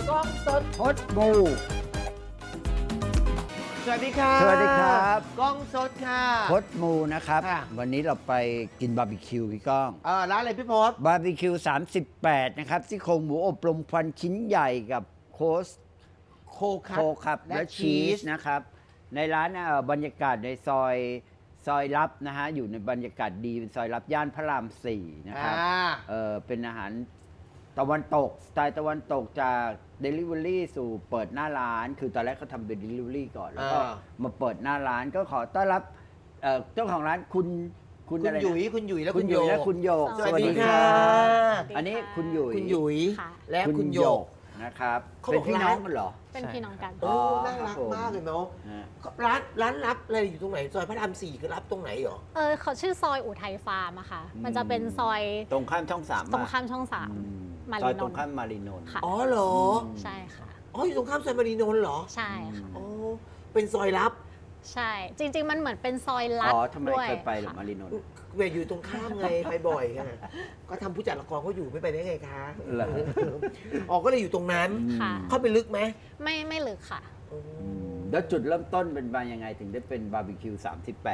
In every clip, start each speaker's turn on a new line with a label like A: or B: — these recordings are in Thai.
A: กล้องสด
B: พดมู
A: สวัสดีครับ
B: สวัสดีครับ
A: กล้องสดค่ะ
B: พดมูนะครับ
A: ค่ะ
B: วันนี้เราไปกินบาร์บีคิวพี่ก้อง
A: ร้านอะไรพี่พศ
B: บาร์บีคิว38นะครับซี่โครงหมูอบรมควันชิ้นใหญ่กับโคส
A: โคคั
B: โคครับ
A: และ
B: และ
A: ชี
B: ชี
A: ส
B: สนะครับ ในร้านบรรยากาศในซอยลับนะฮะอยู่ในบรรยากาศดีเป็นซอยลับย่านพระราม4นะครับเป็นอาหารตะวันตกสไตล์ตะวันตกจาก Delivery สู่เปิดหน้าร้าน คือตอนแรกเขาทำเป็น Delivery ก่อน แล้วก็มาเปิดหน้าร้านก็ขอต้อนรับเจ้าของร้านคุณ
A: คุณ
B: อะไรนะ
A: หยุยคุณหยุยและ
B: คุ
A: คุณ ณ
B: ห
A: โย
B: ยุยและคุณโยก
A: สวัสดีค่ะ
B: อันนี้คุณหยุย
A: คุณหยุย
C: ค่ะ
A: และคุณโยก
B: นะครับ
A: เขา
B: เป็
A: บ
B: น
A: อก
B: พี่
A: ร้าน
B: น้องกันเหรอ
C: เป็นพี่น้องกัน
A: โอ้
B: อ๋อ
A: น่ารัก
B: ครับผม
A: มากเลยเนาะ
B: ฮะ
A: ร้านลับอะไรอยู่ตรงไหนซอยพระราม4คือรับตรงไหนหรอ
C: เขาชื่อซอยอุทัยฟาร์มอะค่ะ มันจะเป็นซอย
B: ตรงข้ามช่องสาม
C: ตรงข้ามช่องสาม มา
B: ซอ
C: รี
B: ย
C: น
B: ตรง
C: นท์
B: ข้ามมารีนนท์
C: ค่ะ
A: อ๋อเหรอ
C: ใช่ค่ะ
A: อ๋ออยู่ตรงข้ามซอยมารีนนท์เหรอ
C: ใช่ค่ะ
A: อ๋อเป็นซอยลับ
C: ใช่ จริง ๆ มันเหมือนเป็นซอยลัด
B: อ๋อทำไม
C: ด้วย
B: เคยไปหรือ
C: ค่ะ
B: มารีนนท์
A: เวอยู่ตรงข้ามไง ไปบ่อยค่ะก็ทำผู้จัดละครเขาอยู่ไม่ไปได้ไงคะ
B: เหรอ
A: อ๋อก็เลยอยู่ตรงนั้น
C: ค่ะ
A: เข้าไปลึกไหม
C: ไม่ลึกค่ะ
B: แล้วจุดเริ่มต้นเป็นมายังไงถึงได้เป็นบาร์บีคิว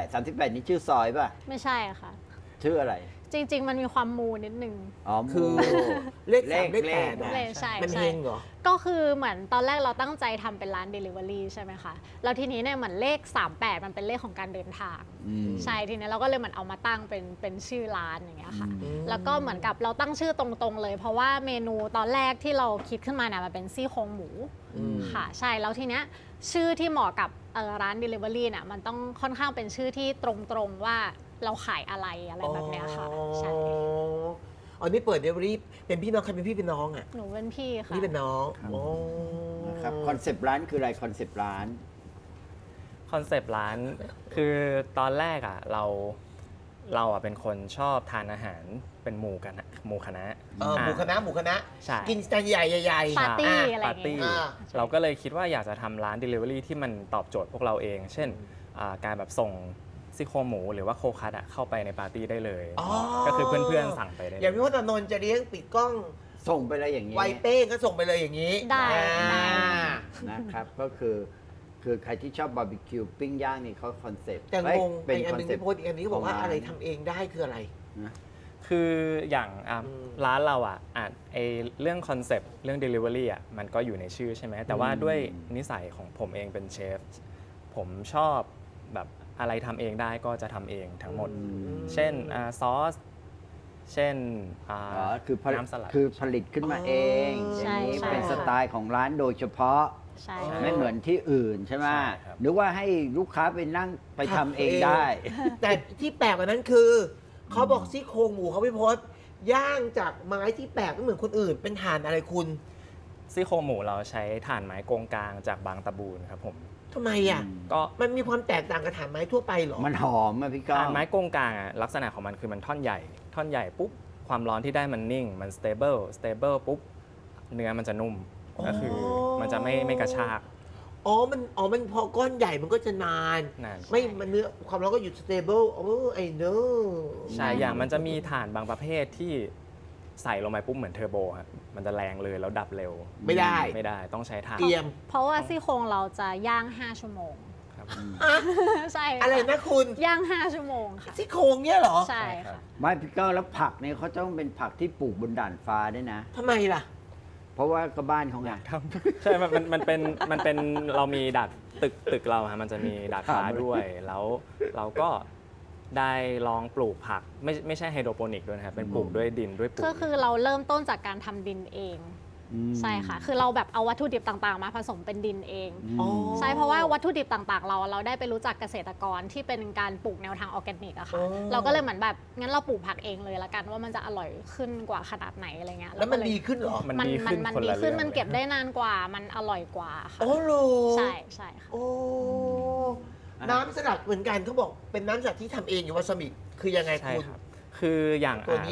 B: 38นี่ชื่อซอยป่ะ
C: ไม่ใช่ค่ะ
B: ชื่ออะไร
C: จริง ๆ มันมีความมูนิดนึง
B: อ๋อ
A: คือ
B: หมู่
A: เลข 3 เลข 8
B: เล
A: อะ
B: ข
C: เลขใช่
A: มัน
C: ใช่
A: เฮงเหรอ
C: ก็คือเหมือนตอนแรกเราตั้งใจทำเป็นร้าน Delivery ใช่ไหมคะ แล้วทีนี้เนี่ยเหมือนเลข 38 มันเป็นเลขของการเดินทาง
B: อืม
C: ใช่ ทีนี้เราก็เลยเหมือนเอามาตั้งเป็นชื่อร้านอย่างเงี้ยค่ะ
B: อืม
C: แล้วก็เหมือนกับเราตั้งชื่อตรงๆเลย เพราะว่าเมนูตอนแรกที่เราคิดขึ้นมาเนี่ยมันเป็นซี่โครงหมู
A: อืม
C: ค่ะ ใช่ แล้วทีเนี้ยชื่อที่เหมาะกับร้าน Delivery เนี่ยมันต้องค่อนข้างเป็นชื่อที่ตรงๆว่าเราขายอะไรแบบเนี้ยค่ะ ใช่
A: อ๋อนี่เปิดเดลิเวอรี่เป็นพี่น้องใครเป็นพี่เป็นน้องอ่ะ
C: หนูเป็นพี่ค่ะ
A: นี่เป็นน้อง
B: ครับ
A: โอ้
B: นะครับคอนเซปต์ร้านคืออะไรคอนเซปต์ร้าน
D: คอนเซปต์ร้านคือตอนแรกอ่ะเราอ่ะเป็นคนชอบทานอาหารเป็นหมู่คณะ
A: หมูคณะหมูคณะ
D: ใช่
A: กินจานใหญ่ๆ
C: ปาร์ตี้
A: อ่ะ
C: อะไรอ
D: ปา
C: ย่าง
D: ร์ตี้
C: เงี้ย
A: อ่า
D: เราก็เลยคิดว่าอยากจะทำร้าน Delivery ที่มันตอบโจทย์พวกเราเอง เช่นการแบบส่งซี่โครงหมูหรือว่าโคคัสอะเข้าไปในปาร์ตี้ได้เลย
A: อ๋อ
D: ก็คือเพื่อนๆสั่งไปได้เลย
A: อย่างพี่พจน์อานนท์จะเลี้ยงปิดกล้อง
B: ส่งไปเลยอย่างนี้
A: ไวเป้งก็ส่งไปเลยอย่างนี้
C: ได้
A: อ่า
B: นะครับก็คือใครที่ชอบบาร์บีคิวปิ้งย่างนี่เขาคอนเซปต์
A: แต่งง
B: เป็น
A: อีกอัน
B: คอน
A: หนึง
B: เซป
A: พี่
B: ต์
A: พจน์อีกอันนี้ก็บอกว่า
B: ของร้าน
A: อะไรทำเองได้คืออะไร
B: นะ
D: คืออย่าง
A: อืม
D: ร้านเราอะไอเรื่องคอนเซปต์เรื่อง Delivery อะมันก็อยู่ในชื่อใช่ไหมแต่ว่าด้วยนิสัยของผมเองเป็นเชฟผมชอบแบบอะไรทำเองได้ก็จะทำเองทั้งหมด เช่นซอส เช่น
B: อ๋อคือผลิต
D: น้ำสลัด
B: คือผลิตขึ้นมาเอง
A: ใช่
B: อย่างนี้
C: ใช่
B: เป็นสไตล์ของร้านโดยเฉพาะ
C: ใช่
B: ไม่เหมือนที่อื่นใช่ไหม
D: ใช่ครับ
B: หรือว่าให้ลูกค้าไปนั่งไปทำเองได้
A: แต่ที่แปลกกว่านั้นคือ เขาบอกซี่โครงหมูเขาพี่พจน์ย่างจากไม้ที่แปลกไม่เหมือนคนอื่น เป็นถ่านอะไรคุณ
D: ซี่โครงหมูเราใช้ถ่านไม้โกงกลางจากบางตะบูนครับผม
A: ทำไมอ่ะ
D: ก็
A: มันมีความแตกต่างกับถ่านไม้ทั่วไปเหรอ
B: มันหอมอะพี่ก้อ
D: ถ่าง นไม้โกงกลางอะลักษณะของมันคือมันท่อนใหญ่ปุ๊บความร้อนที่ได้มันนิ่งมัน stable ปุ๊บเนื้อมันจะนุ่มก็คือมันจะไม่กระชาก
A: มันพอก้อนใหญ่มันก็จะนาน
D: นาน
A: ไม่มันเนื้อความร้อนก็อยู่ stable ไอ้เนอะ
D: ใช่อย่างมันจะมีถ่านบางประเภทที่ใส่ลงไปปุ๊บเหมือนเทอร์โบครับมันจะแรงเลยแล้วดับเร็ว
A: ไม่ได้
D: ไม่ได้ต้องใช้ถ่าน
A: เตรียม
C: เพราะว่าซี่โครงเราจะย่าง 5 ชั่วโมง
D: ครับ
C: ใช่ค่
A: อะไรนะคุณ
C: ย่าง 5 ชั่วโมงค่ะ
A: ซี่โครงเนี่ยเหรอ
C: ใช่
D: ใช่ครั
C: ค่ะ
D: บ
B: ไม่พี่ก้องแล้วผักเนี่ยเขาต้องเป็นผักที่ปลูกบนด่านฟ้าด้วยนะ
A: ทำไมล่ะ
B: เพราะว่าก็บ้านเขาไง
D: ใช่มันเป็นเรามีดัดตึกเราฮะมันจะมีดัดฟ้าด้วย แล้วเราก็ได้ลองปลูกผักไม่ใช่ไฮโดรโปนิกด้วยนะครับเป็นปลูกด้วยดินด้วยปุ๋ย
C: ก็คือเราเริ่มต้นจากการทำดินเอง ใช่ค่ะ คือเราแบบเอาวัตถุดิบต่างๆ มาผสมเป็นดินเอง
A: อ๋อ
C: ใช่ เพราะว่าวัตถุดิบต่างๆ เราได้ไปรู้จักเกษตรกรที่เป็นการปลูกแนวทางออร์แกนิกอะค่ะ
A: อ๋อ
C: เราก็เลยเหมือนแบบงั้นเราปลูกผักเองเลยละกันว่ามันจะอร่อยขึ้นกว่าขนาดไหนอะไรเงี้ย
A: แล้วมัน
C: เราก็เย
A: ดีขึ้นเหรอ
D: มันดีขึ้น
C: มัน
D: คน
C: ดี
D: ละ
C: ขึ้น
D: เรื่อง
C: มันเก็บ
D: เลย
C: ได้นานกว่ามันอร่อยกว่าค่ะ
A: โอ้โห
C: ใช่ใช่ค่ะ
A: โอ้น้ำสลัดเหมือนกันเขาบอกเป็นน้ำสลัดที่ทำเองอยู่วาซาบิคือยังไง
D: ใช่
A: คุณ
D: ครับคืออย่าง
A: ตัวนี้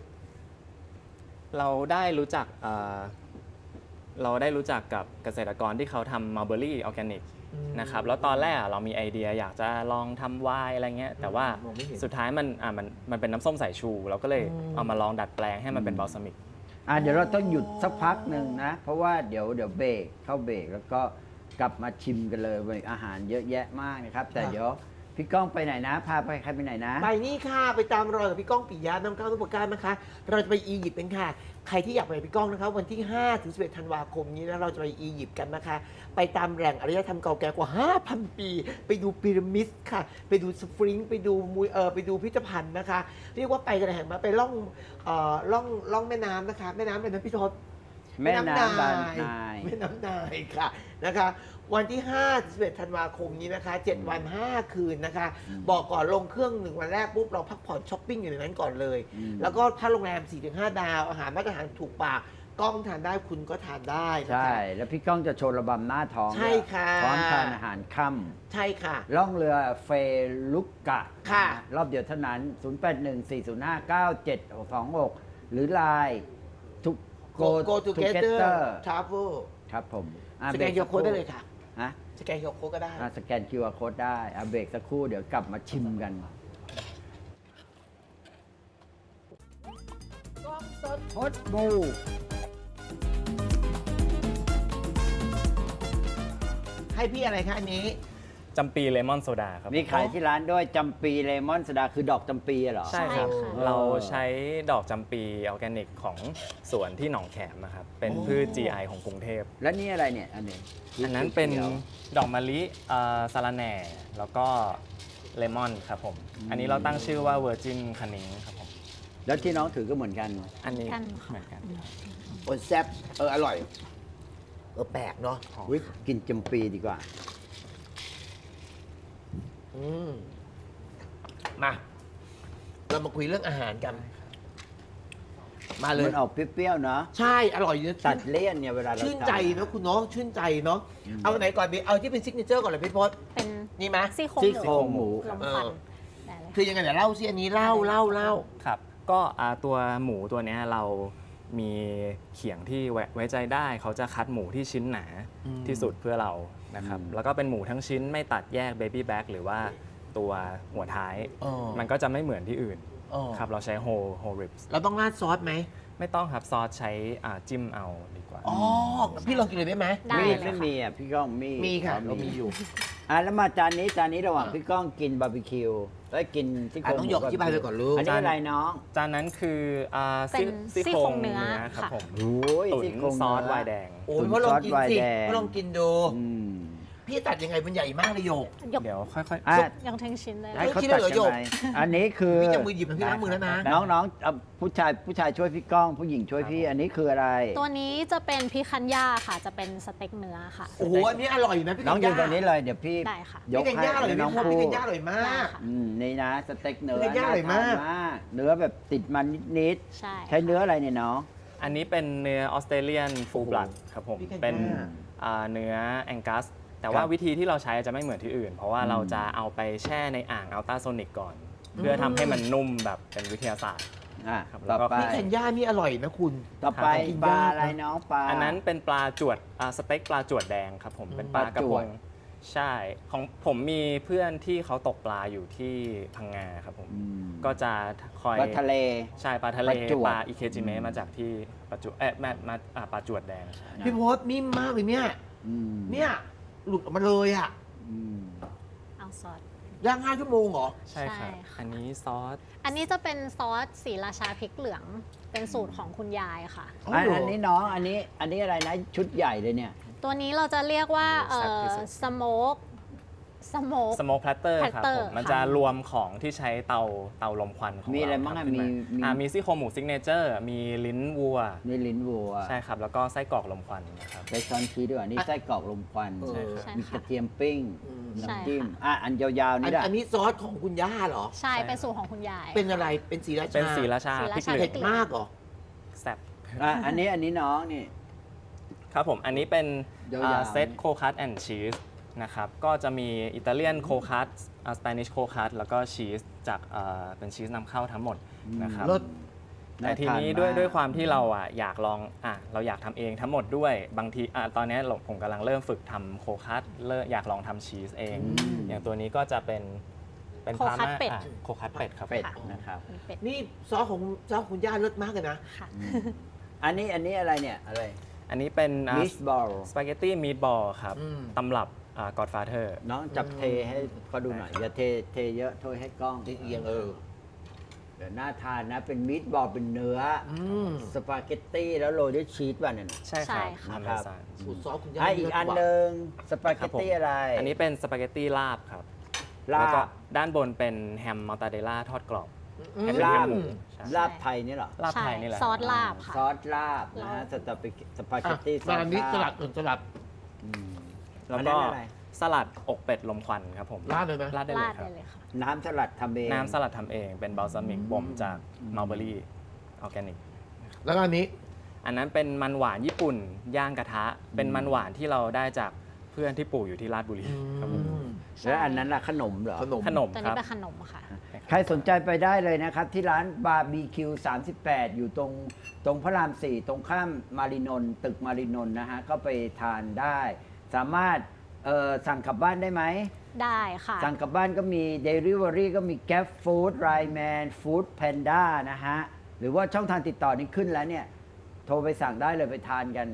D: เราได้รู้จักเราได้รู้จักกับเกษตรกรที่เขาทำมัลเบอรี่ออร์แกนิกนะครับแล้วตอนแรกเรามีไอเดียอยากจะลองทำไวน์อะไรเงี้ยแต่ว่า
A: องไม่เห็น
D: สุดท้ายมันเป็นน้ำส้มสายชู เราก็เลยเอามาลองดัดแปลงให้มันเป็นบัลซามิก
B: เดี๋ยวเราต้องหยุดสักพักหนึ่งนะ เพราะว่าเดี๋ยวเบรกเข้าเบรกแล้วก็กลับมาชิมกันเลยอาหารเยอะแยะมากนะครับ แต่เดี๋ยวพี่ก้องไปไหนนะ พาไปใครไปไหนนะ
A: ไปนี่ค่ะไปตามรอยกับพี่ก้องปิยะน้ำก้าวทุกประการนะคะ เราจะไปอียิปต์กันค่ะ ใครที่อยากไปกับพี่ก้องนะคะวันที่5 ถึง 11 ธันวาคมนี้นะเราจะไปอียิปต์กันนะคะ ไปตามแหล่งอารยธรรมเก่าแก่กว่า 5,000 ปี ไปดูพีระมิดค่ะ ไปดูสฟริงค์ไปดูไปดูพิพิธภัณฑ์นะคะ เรียกว่าไปกันแห่งมาไปล่องแม่น้ำนะคะ แม่น้ำเป็นน้ำพี่ทศ
B: แม่น้ำบานาย
A: แม่น้ำนายค่ะนะคะ วันที่5 ถึง 11 ธันวาคมนี้นะคะ 7 วัน 5 คืนนะคะ บอกก่อนลงเครื่อง 1 วันแรกปุ๊บเราพักผ่อนช้อปปิ้งอยู่ในนั้นก่อนเลย แล้วก็ถ้าโรงแรม 4-5 ดาว อาหารมาตรฐานถูกปากกล้องทานได้คุณก็ทานได้นะคะ
B: ใช่ แล้วพี่ก้องจะโชว์ระบำหน้าท้อง
A: ใช่ค่ะ
B: พร้อมทานอาหารค่ำ
A: ใช่ค่ะ
B: ล่องเรือเฟลุกกะ
A: ค่ะ
B: รอบเดียวเท่านั้น 0814059726 หรือไลน์ทุก
A: Go Together Travel
B: ครับผม
A: สแกน QR Code ได้เลยค่ะ
B: ฮะ
A: สแกน QR Code ก็ได้
B: สแกน QR Code ได้เบรกสักครู่เดี๋ยวกลับมาชิมกัน
A: กล้องสด
B: ฮดบู
A: ให้พี่อะไรคะอันนี้
D: จำปีเลมอนโซดาครับ
B: มีขายที่ร้านด้วยจำปีเลมอนสดาคือดอกจำปีเหรอ
D: ใช่ครับ
C: ใช่ค่ะ
D: เราใช้ดอกจำปีออร์แกนิกของสวนที่หนองแขมนะครับ เป็นพืช GI ของกรุงเทพ
B: แล้วนี่อะไรเนี่ยอันนี้
D: อันนั้นเป็น
B: ขียว
D: ดอกมะลิสาระแหน่ แล้วก็เลมอนครับผม อันนี้เราตั้งชื่อว่าเวอร์จินคันนิงครับผม
B: แล้วที่น้องถือก็เหมือนกัน
D: อันนี้
C: กัน
D: เหมือนกัน
A: โอ้ยแซ่บอร่อย แปลกเนาะ
B: วิกินจำปีดีกว่า
A: มาเรามาคุยเรื่องอาหารกัน มาเลย
B: มันออกเปรี้ยวๆเนาะ
A: ใช่อร่อยเยอะ
B: ตัดเลี่ยนเนี่ยเวลาเรา
A: ชื่นใจ
B: ทา
A: เนาะคุณน้องชื่นใจเนาะเอาไหนก่อนดีเอาที่เป็นซิกเนเจอร์ก่อนเลยพี่พศ
C: เป็น
A: นี่ไหม
C: ซี่โครง
B: ซี่โครงหมู
C: ลมควันได้เลย
A: คือยังไงเดี๋ยวเล่าสิอันนี้เล่า
D: ครับ ก็ตัวหมูตัวเนี้ยเรามีเขียงที่ไว้ใจได้ เขาจะคัดหมูที่ชิ้นหนาที่สุดเพื่อเรานะครับ แล้วก็เป็นหมูทั้งชิ้นไม่ตัดแยกเบบี้แบ็กหรือว่าตัวหัวท้าย
A: อ๋อ
D: มันก็จะไม่เหมือนที่อื่น
A: อ๋อ
D: ครับ เราใช้โฮริปส์
A: เราต้องราดซอสไหม
D: ไม่ต้องครับซอสใช้จิ้มเอาดีกว่า
A: อ๋อพี่ลองกินเลยได้ไหม
C: ได้
B: มี
C: เลย
B: ไม่
C: ค่ะ
B: มีอ่ะพี่ก้องมี
A: มีค่ะ
B: อ๋อ
A: เรามีอยู่
B: แล้วมาจานนี้ระหว่างพี่ก้องกินบาร์บีคิวแล้วกินซี่โครง
A: ต้องยกอธิบายไปก่อนลูก
B: อันนี้อะไรน้อง
D: จานนั้นคือ
C: เป็น
D: ซี่
C: ซี่
D: โค
C: โค
D: ร
C: รง งเนื้
D: เนื้
C: อ
D: อครับ
C: ค่ะ
D: ผม
B: โอ้ย
D: ตุ๋น
B: ซี่โครง
D: ซอส
B: เนื้
D: ไวน์แดง
A: โอ้ยพ่อลองกินสิ
B: ซอสไวน์แดง
A: พ่อลองกินดู
B: อืม
A: พี่ตัดยังไงมันใหญ่มากเลยโยก
C: ยก
D: เดี๋ยวค่อย
B: อ่ะ
C: ยังทั้งชิ้นเลย
A: ให้
B: ให้เขา
A: คิด
B: ตัด
A: เลยเหรอ
B: กัน
A: โยก
B: ไปอันนี้คือ
A: พี่จะมือหยิบนะพี่ล้างมือแล้วนะ
B: น้องๆเอาผู้ชายช่วยพี่ก้อง ผู้หญิงช่วยพี่ อันนี้คืออะไร
C: ตัวนี้จะเป็นพิคันย่าค่ะ จะเป็นสเต็กเนื้อค่ะ
A: โอ้โหอันนี้อร่อยนะพี่
B: น้องยืนต
A: กั
B: รงนี้เลยเดี๋ยวพี่
C: ได้ค่ะ
B: ยก
A: พี่กัญ
B: ให้
A: ญาอร่อย
B: น้อง
A: พี่
B: พู
A: กัญญาอร่อยมาก
B: นี่นะสเต็กเนื้อ
A: พี่กัญญาอร่อยมาก
B: น่ทนเนื้อแบบติดมันนิด
C: ใช่
B: ๆใช้เนื้ออะไรเนี่ยน้อง
D: ๆ อันนี้เป็นเนื้อออสเตรเลียนฟูลบลัดครับผม
A: พี่กัญญา
D: เป็นเนื้อแองกัส แต่ว่า
B: ครับ
D: วิธีที่เราใช้จะไม่เหมือนที่อื่น เพราะว่าเราจะเอาไปแช่ในอ่างอัลตราโซนิกก่อน เพื่อทำให้มันนุ่มแบบเป็นวิทยาศาสตร์ ครับแล้
B: ต่อ
D: วก็
B: ไป
A: พี่กัญญานี่อร่อยนะคุณ
B: ต่อไป
A: กิน
B: ปลาย
A: าก
B: อะไรน้องปลา
D: อันนั้นเป็นปลาจวดสเต็กปลาจวดแดงครับผมเป็นปลากระ
B: ปลาจ
D: พ
B: วด
D: งใช่ของผมมีเพื่อนที่เขาตกปลาอยู่ที่พังงาครับผม
B: อืม
D: ก็จะคอย
B: ปลาทะเล
D: ใช่ปลาทะเล
B: ปลาจวด
D: ปลาอิเคจิเมะมาจากที่ปลาจวดมาปลาจวดแดงใช่
A: พี่พศนิ่มมากเลยเนี่ย
B: อืม
A: เนี่ยหลุดออกมาเลยอ่ะ
B: อืม
C: เอาซอส
A: ย่าง5 ชั่วโมงเหรอ
D: ใช่ครับ
C: ใช่ค่ะ
D: อันนี้ซอส
C: อันนี้จะเป็นซอสสีราชาพริกเหลือง เป็นสูตรของคุณยายค่ะ
A: อ๋อเหรออั
B: อันนี้น้องอันนี้อะไรนะชุดใหญ่เลยเนี่ย
C: ตัวนี้เราจะเรียกว่า
D: แซ่บที่สุด
C: สโมก
D: สโมกแพลตเตอร์ครับ
C: platter
D: ผมมัน
C: ค่ะ
D: จะรวมของที่ใช้เตาลมควันของ
B: มีอะไร
D: เ
B: บ้างอะ
D: ทำขึ้น
B: มี
D: มีซี่โครงหมูซิกเนเจอร์มีลิ้นวัว
B: นี่ลิ้นวัว
D: ใช่ครับ แล้วก็ไส้กรอกลมควันนะครับ
B: ใช้ช้อนชี้ด้วยนี่ไส้กรอกลมควัน
A: ใช่ครับ
C: ใช่
B: มีก
C: ค่ะ
B: ระเทียมปิ้ง
C: ใช่
B: น้ำจิ้ม
C: ค่ะ
B: อันยาวๆนี่ได้
A: อันนี้ซอสของคุณย่าเหรอ
C: ใช่ เป็นสูตรของคุณยาย
A: เป็นอะไรเป็นสีราชา
D: เป็นสีราชา
C: สี
D: พ
C: รา
D: ริก
C: ชา
D: เหลื
A: เผ็
D: อ
A: ด
D: ง
A: มากเหรอ
D: แซ่บ
B: อันนี้น้องนี่
D: ครับผม อันนี้เป็น
B: ยาวๆ
D: เซตโคคัสแอนด์ชีสนะครับ ก็จะมีอิตาเลียนโคคัสสเปนิชโคคัสแล้วก็ชีสจากเป็นชีสนำเข้าทั้งหมดนะครับ
A: รส
D: แต่ทีนี้
B: น่าทานมาก
D: ด้วยความที่เราอยากลองเราอยากทำเองทั้งหมดด้วยบางทีตอนนี้ผมกำลังเริ่มฝึกทำโคคัสอยากลองทำชีสเอง อย่างตัวนี้ก็จะเป็น
C: โคคัส
D: พาม่า
C: เป็ด
D: โคคัสเป็ดครับ
B: เป็ด
C: ค่ะ
B: นะครับ
C: มีเป็ด
A: นี่ซอสของคุณย่าเลิศมากเลยนะ
C: ค่ะ
A: อ
B: อันนี้อะไรเนี่ยอะไร
D: อันนี้เป็น
B: มิสบอล
D: สปาเกตตี้มีดบอลครับ
A: อืม
D: ตำรับกอดฟาเธอร์
B: น้องจับเทให้เขาดูหน่อย อย่าเทเยอะโทษให้กล้อง
A: เอียง
B: เดี๋ยวน่าทานนะ เป็นมิตบอลเป็นเนื้ออ
A: ม
B: สปาเกตตี้แล้วโรยด้วยชีสป่ะเนี่ย
D: ใช่ครับ
C: ใช่ค่ะ
D: อเมซอน
A: สูตรซอสคุณย่า
B: อีกอันหนึ่งสปาเกตตี้อะไร
D: อันนี้เป็นสปาเกตตี้ลาบครับ
B: ลา
D: แล้วก็
B: บ
D: ด้านบนเป็นแฮมมอตตาเดลล่าทอดกรอบ
A: อืม
D: เป็น
B: ลาบ
D: หมูใช่
B: ลาบไทยนี่เหรอ
D: ลาบไทยนี่แหละ
C: ซอสลาบค่ะ
B: ซอสลาบนะฮะสปาเกตตี้ซอส
A: อันนี้ส
B: ลา
A: ลั
B: บ
A: ดสลัด
B: อืม
D: แล้ว
B: อัน
D: ก็
B: นั้นอะไร
D: สลัดอกเป็ดลมควันครับผม
A: ราดเลยไหม
D: ราดได้เล
C: ราย ด
D: ครั
C: ได้
D: บ
C: เลยค่ะ
B: น้ำสลัดทำเอง
D: น้ำสลัดทำเองเป็นบัลซามิกบ่มจากมัลเบอรี่ออร์แกนิก
A: แล้วก็อันนี้
D: อันนั้นเป็นมันหวานญี่ปุ่นย่างกระทะ เป็นมันหวานที่เราได้จากเพื่อนที่ปลูกอยู่ที่ราชบุรีครับผม
B: แล้วอันนั้นล่ะขนมเหรอ
A: ขนม
D: ขนม
C: ตัว
D: ค
C: นี้
D: รับ
C: เป็นขนมค่ะ
B: ใครสนใจไปได้เลยนะครับ ที่ร้านบาร์บีคิว38 อยู่ตรงพระราม 4 ตรงข้ามมารินนท์ตึกมารินนท์นะฮะ ก็ไปทานได้ สามารถสั่งกลับบ้านได้ไหม
C: ได้ค่ะ
B: สั่งกลับบ้านก็มี Delivery ก็มี Gap Food Ramen Food Panda นะฮะ หรือว่าช่องทางติดต่อนี้ขึ้นแล้วเนี่ย โทรไปสั่งได้เลยไปทานกัน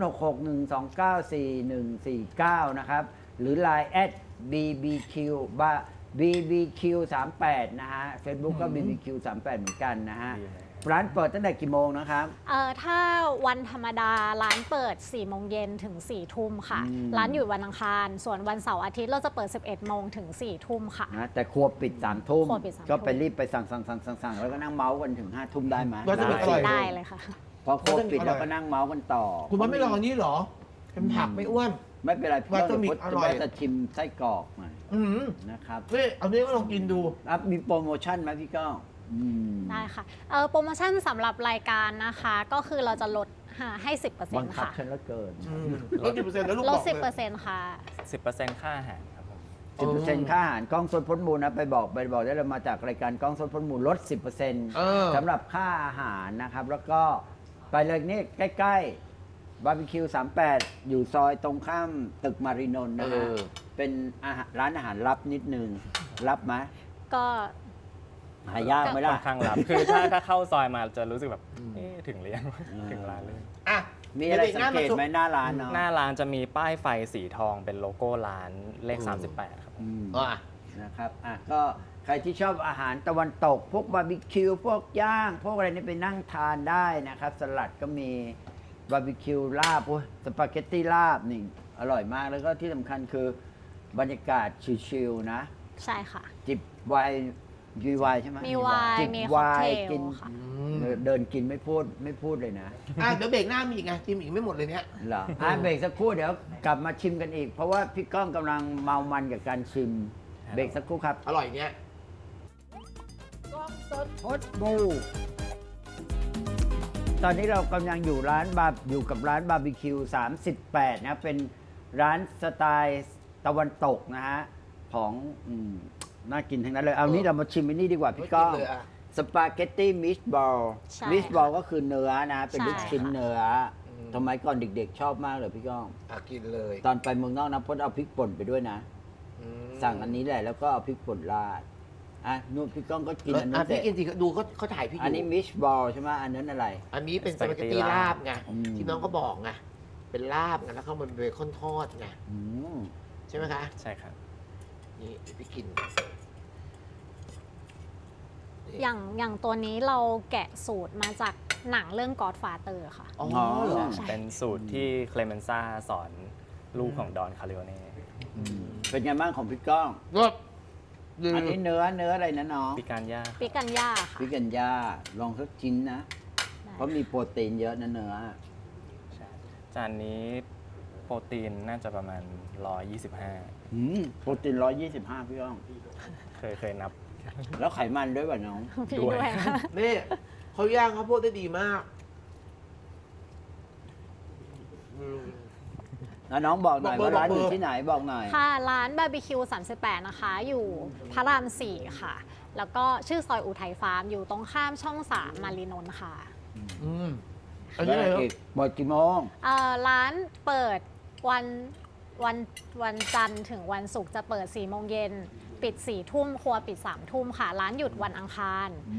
B: 0661294149 นะครับ หรือ Line @bbq bbq 38นะฮะ Facebook ก็ bbq 38เหมือนกันนะฮะ
D: ดีเลย
B: ร้านเปิดตั้งแต่กี่โมงนะครับ
C: ถ้าวันธรรมดาร้านเปิด 4 โมงเย็นถึง 4 ทุ่มค่ะ
B: อืม
C: ร้านอยู่วันอังคาร ส่วนวันเสาร์อาทิตย์เราจะเปิด 11 โมงถึง 4 ทุ่มค่ะ
B: นะแต่ครัวปิด3 ทุ่ม
C: ครัวปิด3
B: ก็ไปรีบไปสั่งแล้วก็นั่งเมาส์กันถึง5 ทุ่มได้ไหม
A: ว่าจะเป็นอร่อย
C: ได้เลยค่ะ
B: พอครัวปิดแล้วก็นั่งเมาส์กันต่อ
A: คุณว่าไม่ลองอันนี้เหรอ เป็นผักไม่อ้วน
B: ไม่เป็นไรพี่
A: ว่า
B: ก็
A: จะมี
B: เดี๋ยว
A: อร่อย
B: จะชิมไส้กรอกหน่อย
A: อืม
B: นะครับ
A: เฮ้ยเอาเนี้ก็ลองกินดู
B: มีโปรโมชั่นไหมพี่ก้องอืม
C: ได้ค่ะโปรโมชั่นสำหรับรายการนะคะ ก็คือเราจะลดให้
B: บัง
C: 10%
B: คับ
C: ค่ะ
B: ฉันแล้วเกิน
A: ลด10%แล้วลูก
C: ล
A: บ
C: ด
A: อกเลย
C: 10%ค่ะ
D: 10%ค่าอาหารครับผม
B: 10%ค่าอาหารกล้องสดพ้นมูลนะไปบอกได้เลยมาจากรายการกล้องสดพ้นมูลลด 10% สำหรับค่าอาหารนะครับ แล้วก็ไปเลยนี่ใกล้ๆบาร์บีคิว38 อยู่ซอยตรงข้ามตึกมารินนท์นะฮะเป็นร้านอาหารลับนิดนึง รับไหม
C: ก็
B: หายากไหม
D: ค่
B: ล่ะ
D: อนข้างลับ คือถ้าเข้าซอยมาจะรู้สึกแบบเอ๊ะถึงหรือยังถึงร้านเลย
A: อ่ะ
B: มีอะไรสังเกตไหมหน้าร้านเนาะ
D: หน้าร้านจะมีป้ายไฟสีทองเป็นโลโก้ร้านเลข 38 ครับผม
B: อืม
A: อ่ะ
B: นะครับ ก็ใครที่ชอบอาหารตะวันตก พวกบาร์บีคิว พวกย่าง พวกอะไรนี่ไปนั่งทานได้นะครับ สลัดก็มีบาร์บีคิวลาบโอ้ยสปาเกตตี้ลาบนี่อร่อยมาก แล้วก็ที่สำคัญคือบรรยากาศชิลๆนะ
C: ใช่ค่ะ
B: จิบไวน์มีไวน์ใช่ไหม
C: มีไวน์
B: จิบ
C: มี
B: ไว
C: ค็อกเท
B: น์
C: ล
B: กิน
C: ค่ะ
B: เดินกินไม่พูดเลยนะ
A: อ่ะเดี๋ยวเบรกหน้ามีอีกไงจิมอีกไม่หมดเลยเนี้ย
B: เหรอเบรกสักครู่เดี๋ยวกลับมาชิมกันอีก เพราะว่าพี่ก้องกำลังเมามันกับการชิม เบรกสักครู่ครับ
A: อร่อยเนี้ย
B: ฮอตบูตอนนี้เรากำลังอยู่กับร้านบาร์บีคิว38นะเป็นร้านสไตล์ตะวันตกนะฮะของน่ากินทั้งนั้นเลย เอานี้เรามาชิมอันนี้ดีกว่าพี่ก้อง
A: ไม่กินเลยอะ
B: สปาเกตตี้มิสบอล
C: ใช่
B: มิสบอลก็คือเนื้อนะ เป็น
C: ใช่
B: ลูกชิ้น
C: ค่ะ
B: เนื้อสมัยก่อนเด็กๆ ชอบมากเลยพี่ก้อง
A: อ่ะกินเลย
B: ตอนไปเมืองนอกนะพจน์เอาพริกป่นไปด้วยนะ
A: อืม
B: สั่งอันนี้แหละแล้วก็เอาพริกป่นราดนู่นพี่ก้องก็กินอัน
A: อ่ะ
B: นี้
A: พี่กินสิดูเขาถ่ายพี่อยู่
B: อันนี้มิสบอลใช่ไหมอันนั้นอะไร
A: อันนี้เป็นสปาเกตตี้ลาบไง
B: อืม
A: ที่น้องก็บอกไงเป็นลาบไงแล้วเขามันเบคอนทอดไง
B: อืม
A: ใช่ไหมคะ
D: ใช่ครับ
A: นี่เดี๋ยวพี่กิน
C: อย่างตัวนี้เราแกะสูตรมาจากหนังเรื่อง Godfather ค่ะ
A: อ๋อเหรอ
C: ใช่
D: เป็นสูตรที่เคลเมนซ่าสอนลูกของดอนคาริโอเน่
B: เป็นไงบ้างของพี่ก้อง
A: รสดี
B: อันนี้เนื้ออะไรนะน้อง
D: ปิการย่า
C: ปิกันย่าค่ะ
B: พิกันย่าลองสักชิ้นนะ
C: ได้
B: เพราะมีโปรตีนเยอะนะเนื้อ
D: ใช่จานนี้โปรตีนน่าจะประมาณ 125
B: โปรตีน125พี่ก้อง
D: เคยนับ
B: แล้วไขมันด้วยป่ะน้อง
C: พี่
D: ด้วย
C: ด้วยค่ะ
A: นี่เขาย่างข้าวโพดได้ดีมาก
B: แล้วน้องบอกหน่อย
A: บอกเบอร์
B: ว่าร้าน
A: บอกเบอร์
B: อยู่ที่ไหนบอกหน่อย
C: ค่ะ ร้านบาร์บีคิว38 นะคะ อยู่พระราม 4 ค่ะ แล้วก็ชื่อซอยอุทัยฟาร์ม อยู่ตรงข้ามช่อง 3 มารีนนท์ค่ะ
A: อืมอันนี้อะไร
B: แล้ว
A: ครับ
B: อีกเปิดกี่โมง
C: ร้านเปิดวันจันทร์ถึงวันศุกร์จะเปิด 4 โมงเย็น ปิด 4 ทุ่ม ครัวปิด 3 ทุ่มค่ะ ร้านหยุดวันอังคาร
A: อืม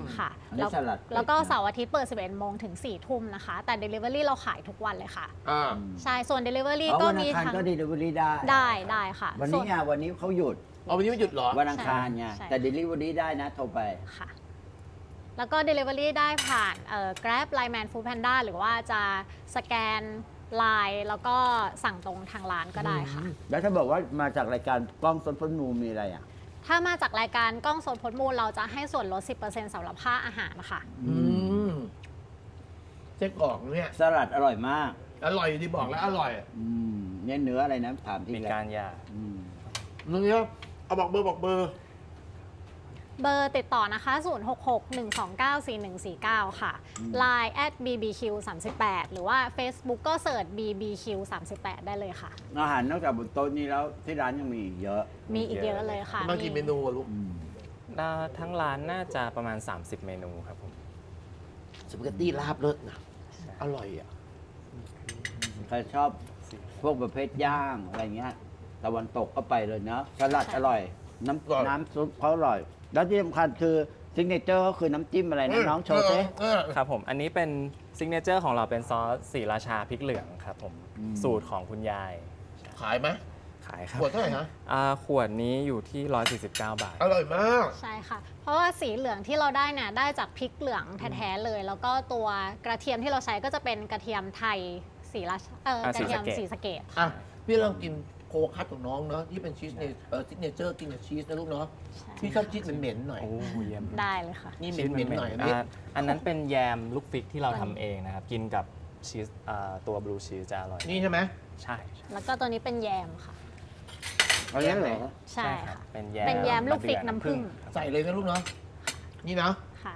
C: ค่ะ
B: อันนี้สลัดเป็ด
C: แล้วก็
B: นะ
C: เสาร์อาทิตย์เปิด 11 โมงถึง 4 ทุ่มนะคะ แต่ Delivery เราขายทุกวันเลยค่ะ
A: อ่า
C: ใช่ ส่วน Delivery
B: อ๋อ
C: ก็
B: วันอั
C: มี
B: งคาร
C: ทั้ง
B: ก็ดีลิเวอรี่ได้
C: ได้ค่ะ
B: วัน
C: ส่
B: นี้ไงวันนี้เขาหยุด
A: เอาวันนี้ไม่หยุดเหรอ
B: วันอังคารไง
C: ใช่
B: แต่เดลิเวอรี่ได้นะโทรไป
C: ค่ะ แล้วก็ Delivery ได้ผ่านGrab Line Man Food Panda หรือว่าจะสแกน Line แล้วก็สั่งตรงทางร้านก็ได้ค่ะ
B: แล้วถ้าบอกว่ามาจากรายการกล้องสดพ้นมูมีอะไรอ่ะ
C: ถ้ามาจากรายการกล้องสดพดมูลเราจะให้ส่วนลด 10%สำหรับค่าอาหารค่ะ
A: อืมเจ๊กรอกเนี่ย
B: สลัดอร่อยมาก
A: อร่อยอยู่ที่บอกแล้วอร่อย
B: เนี่ยเนื้ออะไรนะถามที่
D: มี
B: แล้ว
D: การหย่า
B: อืม
A: นึกเนี่ยเอาบอกเบอร์
C: เบอร์ติดต่อนะคะ 0661294149 ค่ะ Line @bbq38 หรือว่า Facebook ก็เสิร์ช bbq38 ได้เลยค่ะ
B: อาหารนอกจากบนโต๊ะนี้แล้วที่ร้านยังมีอีกเยอะ
C: มีอีกเยอะเลยค่ะ
A: มากี่เมนูอะลูก
D: ทั้งร้านน่าจะประมาณ 30 เมนูครับผม
A: สปาเกตตี้ลาบเลิศนะอร่อยอ่ะ
B: ใครชอบพวกประเภทย่างอะไรเงี้ยตะวันตกก็ไปเลยเนาะสลัดอร่อย
A: อร่อย
B: น้ำซุปเขาอร่อย แล้วที่สำคัญคือซิกเนเจอร์ก็คือน้ำจิ้มอะไรนะน้องโชว์ซิ
D: ครับผม อันนี้เป็นซิกเนเจอร์ของเราเป็นซอสสีราชาพริกเหลืองครับผม สูตรของคุณยาย
A: ขายไหม
D: ขายครับ
A: ขวดเท่าไหร่ฮะ
D: ขวดนี้อยู่ที่ 149 บาท
A: อร่อยมาก
C: ใช่ค่ะ เพราะว่าสีเหลืองที่เราได้เนี่ยได้จากพริกเหลืองแท้ๆเลย แล้วก็ตัวกระเทียมที่เราใช้ก็จะเป็นกระเทียมไทยสีราชกระเทียม
D: ศรี
C: สี
D: สะ
C: สะ
D: เก
C: เก
D: ษ
C: ด
A: อ่ะ พี่ลองกินโคคัสของน้องเนาะที่เป็นชีสซิกเนเจอร์กินกับชีสนะลูกเนาะพี่ชอบชีสเหม็นๆหน่อย
D: โอ้เยี่ยม
C: ได้เลยค่ะ
A: นี่เห
D: ชีส
A: ม็นๆหน่อยอันนี้
D: อันนั้นเป็นแยมลูกฟิกที่เราทำเองนะครับ กินกับชีสตัวบลูชีสจะอร่อย
A: นี่ใช่ไหม
D: ใช่ใช่
C: แล้วก็ตัวนี้เป็นแยมค่ะ
B: เอาเนี้ยเหรอ
C: ใช่
D: ครับ
C: ค่ะ
D: เป็น
C: เป็นแยมลูกฟิก
D: มะเดื่อ
C: น้ำผึ้ง
D: ครับ
A: ใส่เลยนะลูกเนาะนี่นะ
C: ค่ะ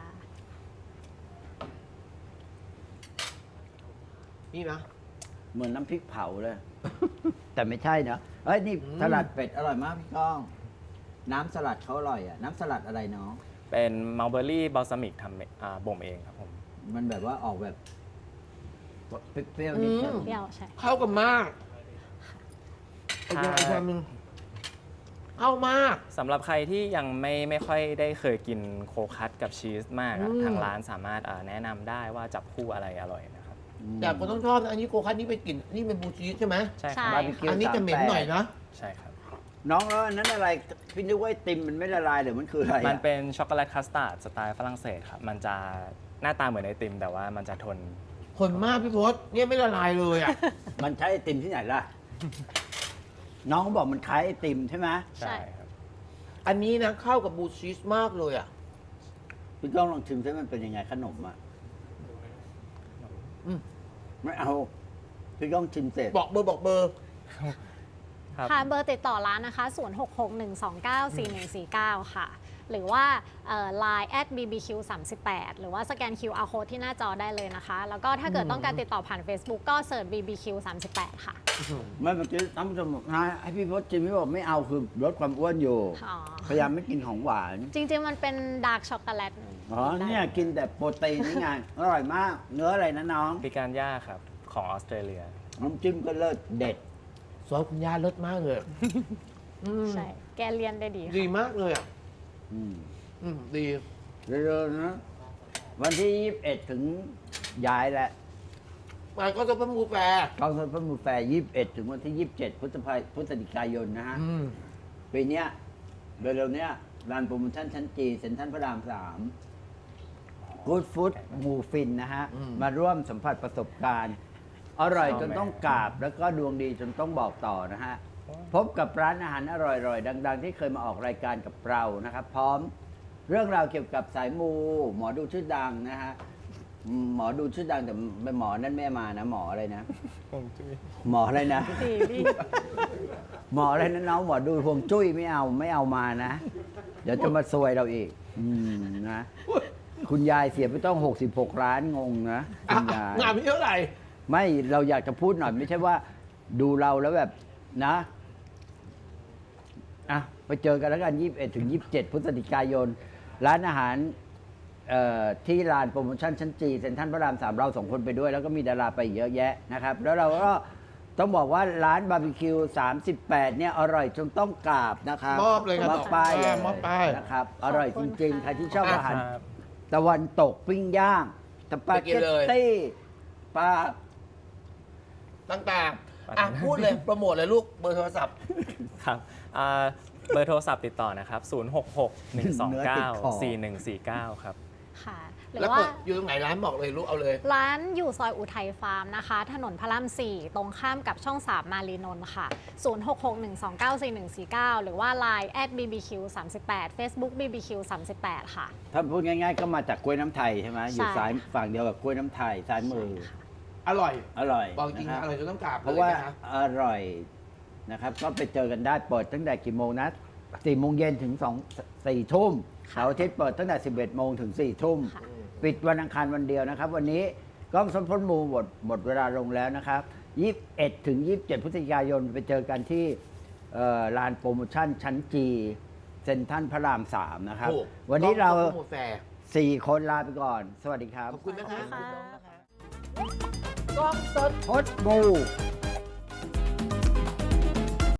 A: นี่นะ
B: เหมือนน้ำพริกเผาเลย แต่ไม่ใช่เนอะเอ้ยนี่สลัดเป็ดอร่อยมากพี่ก้อง น้ำสลัดเขาอร่อยอ่ะ น้ำสลัดอะไรน้อง
D: เป็นมัลเบอรี่บัลซามิกทำบ่มเองครับผม
B: มันแบบว่าออกแบบเปรี้ยวๆนิดนึง
C: เปรี้ยวใช่
A: เข้ากันมากไอ้เจ้าไอ้ชามนึงเข้ามาก
D: สำหรับใครที่ยังไม่ค่อยได้เคยกินโคคัสกับชีสมากอะ
A: อืม
D: ทางร้านสามารถแนะนำได้ว่าจับคู่อะไรอร่อยนะครับ
A: แต่คนต้องชอบนะอันนี้โคคัสนี่เป็นกลิ่นนี่เป็นบลูชีสใช่ไหม
D: ใช่ค
C: ใช่
D: รับ
B: บาร์บีคิว
A: อันนี้จะเหม็นหน่อยนะ
D: ใช่ครับ
B: น้องแล้วอันนั้นอะไรพี่นึกว่าไอติมมันไม่ละลายหรือมันคืออะไร
D: มัน
B: อะ
D: เป็นช็อกโกแลตคัสตาร์ดสไตล์ฝรั่งเศสครับ มันจะหน้าตาเหมือนไอติม แต่ว่ามันจะทน
A: คนมากพี่พศเนี่ยไม่ละลายเลยอ่ะ
B: มันใช้ไอติมที่ไหนล่ะ น้องเขาบอกมันคล้ายไอติมใช่ไหม
C: ใช่
D: ใช่ครับ
A: อันนี้นะเข้ากับบลูชีสมากเลยอ่ะ
B: พี่ก้องลองชิมซิมันเป็นยังไงขนมอ่ะ
A: อืม
B: ไม่เอาพี่ก้องชิมเสร็จ
A: บอกเบอร์
D: ครับ
C: ค่ะเบอร์ติดต่อร้านนะคะ 0661294149 ค่ะ หรือว่าLine @bbq38 หรือว่าสแกน QR code ที่หน้าจอได้เลยนะคะ แล้วก็ถ้าเกิดต้องการติดต่อผ่าน Facebook ก็เสิร์ช bbq38 ค่ะ
B: ไม่เมื่อกี้ท่านผู้ชมบอกนะให้พี่พศชิมพี่บอกไม่เอาคือลดความอ้วนอยู่
C: อ๋อ
B: พยายามไม่กินของหวาน
C: จริง ๆ มันเป็นดาร์กช็อกโกแลต
B: อ๋อเนี่ยกินแต่โปรตีนนี่ไง อร่อยมาก เนื้ออะไรนะน้อง
D: ปิการย่าครับ ของออสเตรเลีย
B: น้ำจิ้มก็เลิศเด็ด
A: ซอสคุณย่าเลิศมากเลยอืม
C: ใช่ แกเรียนได้ดี
A: ดี
C: ค่ะ
A: มากเลยอ่ะ
B: อืม
A: ดี
B: เร็วๆนะวันที่ 21 ถึงย้ายแล้ว
A: มันก็จะเป็นมูแฟร์
B: กองทุนพระมูแฟร์21 ถึงวันที่ 27 พฤศจิกายนนะฮะ
A: อืม
B: ปีเนี้ยเร็วๆเนี้ยร้านโปรโมชั่นชั้นจีเซ็นทรัลพระราม3 Good Food หมูฟินนะฮะ มาร่วมสัมผัสประสบการณ์ อร่อยจนต้องกราบ แล้วก็ดวงดีจนต้องบอกต่อนะฮะ พบกับร้านอาหารอร่อยๆ ดัง ๆ ที่เคยมาออกรายการกับเรานะครับ พร้อมเรื่องราวเกี่ยวกับสายมู หมอดูชื่อดังนะฮะ หมอดูชื่อดังแต่เป็นหมอนั่นไม่มานะ หมออะไรนะ หมออะไรนะ
C: ดีดี
B: หมออะไรนะน้องหมอดูฮวงจุ้ยไม่เอามานะ เดี๋ยวจะมาซวยเราอีกนะ คุณยายเสียไปต้อง 66 ล้านงงนะคุณยาย
A: งานพี่เท่าไหร่
B: ไม่เราอยากจะพูดหน่อยไม่ใช่ว่าดูเราแล้วแบบนะอ่ะไปเจอกันแล้วกัน 21 ถึง 27 พฤศจิกายน ร้านอาหารที่ลานโปรโมชั่นชั้นจีเซ็นทรัลพระราม 3 เราสองคนไปด้วย แล้วก็มีดาราไปเยอะแยะนะครับ แล้วเราก็ต้องบอกว่าร้านบาร์บีคิว 38 เนี่ย อร่อยจนต้องกราบนะครับ
A: มอบเลยครับ
B: มอบป้ายเลย
A: มอบป้าย
B: นะครับ อร่อยจริง ๆ ใครที่ชอบอาหาร
D: ครับ
B: ตะวันตกปิ้งย่างสปา
A: ไปกิ
B: เก
A: น
B: ต
A: เลย
B: ตี้ปลา
A: ต่างๆพูดเลยโปรโมทเลยลูกเบอร์โทรศัพท์
D: ครับเบอร์โทรศัพท์ติดต่อนะครับ 066-129-4149 ครับ
C: ค่ะ หรือ
A: แล้ว
C: ว่า
A: เปิดอยู่ตรงไหนร้านบอกเลยลูกเอาเลย
C: ร้านอยู่ซอยอุทัยฟาร์มนะคะ ถนนพระราม 4 ตรงข้ามกับช่อง 3 มารีนนท์ค่ะ 0661294149 หรือว่า Line @bbq38 Facebook bbq 38ค่ะ
B: ถ้าพูดง่ายๆ ก็มาจากกล้วยน้ำไทยใช่ไหมอยู่ซ้ายฝั่งเดียวกับกล้วยน้ำไทยซ้ายมือ
A: อร่อย
B: อร่อย
A: บอกจริง
B: นะค
A: อร่อยจนต้องกราบ
B: เพราะว่า
A: ลยนค
B: อร่อยนะครับ ก็ไปเจอกันได้เปิดตั้งแต่กี่โมงนะ4 โมงเย็นถึง4 ทุ่ม
C: ค่ะ
B: เสาร์อาทิตย์เปิดตั้งแต่ 11 โมงถึง 4 ทุ่ม
C: ค่ะ
B: ปิดวันอังคารวันเดียวนะครับ วันนี้กล้องสมพลมูหมดเวลาลงแล้วนะครับ 21 ถึง 27 พฤศจิกายนไปเจอกันที่ลานโปรโมชั่นชั้นจีเซ็นทรัลพระราม 3 นะครับ
A: ถูก
B: วันนี้เรา
A: ต้องโปโมทแฟร์
B: 4 คนลาไปก่อน สวัสดีครับ
A: ขอบคุณนะคะ
C: ขอบคุณค่ะ
A: กล้องสด
B: พดบู